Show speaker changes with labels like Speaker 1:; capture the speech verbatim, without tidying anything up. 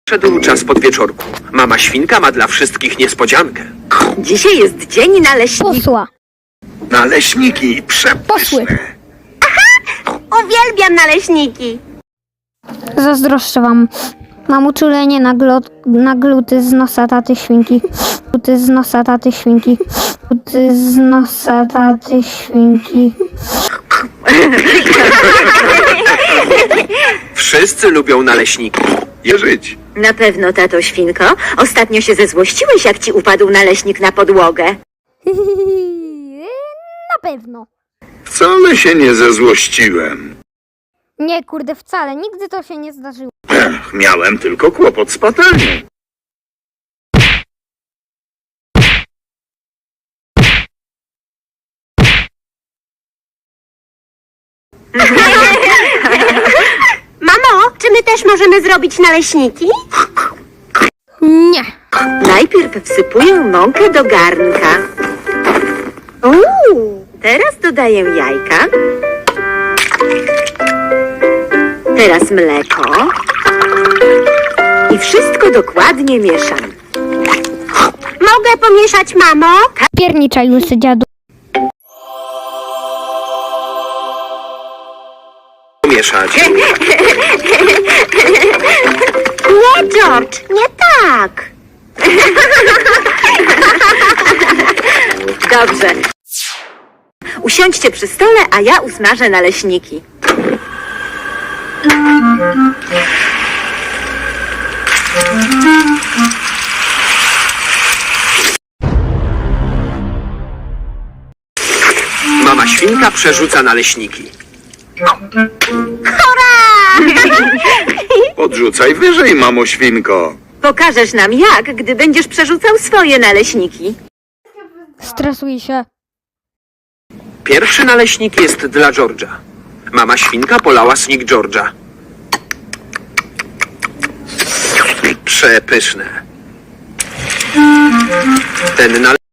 Speaker 1: Szedł czas podwieczorku. Mama świnka ma dla wszystkich niespodziankę.
Speaker 2: Dzisiaj jest dzień naleśników.
Speaker 3: Posła.
Speaker 4: Naleśniki
Speaker 3: Posły.
Speaker 4: przepyszne.
Speaker 2: Uwielbiam naleśniki.
Speaker 3: Zazdroszczę wam. Mam uczulenie na, glo- na gluty z nosa taty świnki. Gluty z nosa taty świnki. Gluty z nosa taty świnki.
Speaker 1: Wszyscy lubią naleśniki.
Speaker 4: Je żyć.
Speaker 2: Na pewno, tato świnko. Ostatnio się zezłościłeś, jak ci upadł naleśnik na podłogę.
Speaker 3: Na pewno.
Speaker 4: Wcale się nie zezłościłem.
Speaker 3: Nie, kurde, wcale. Nigdy to się nie zdarzyło.
Speaker 4: Ech, miałem tylko kłopot z patelnią.
Speaker 2: Mamo, czy my też możemy zrobić naleśniki?
Speaker 3: Nie.
Speaker 2: Najpierw wsypuję mąkę do garnka. Uuu, teraz dodaję jajka. Teraz mleko. I wszystko dokładnie mieszam. Mogę pomieszać, mamo?
Speaker 3: Pierniczaj, łysy dziadu.
Speaker 1: Mieszać.
Speaker 2: Nie, George, nie tak. Dobrze. Usiądźcie przy stole, a ja usmażę naleśniki.
Speaker 1: Mama świnka przerzuca naleśniki.
Speaker 4: Podrzucaj wyżej, mamo świnko.
Speaker 2: Pokażesz nam jak, gdy będziesz przerzucał swoje naleśniki.
Speaker 3: Stresuj się.
Speaker 1: Pierwszy naleśnik jest dla George'a. Mama świnka polała snik George'a. Przepyszne. Ten naleśnik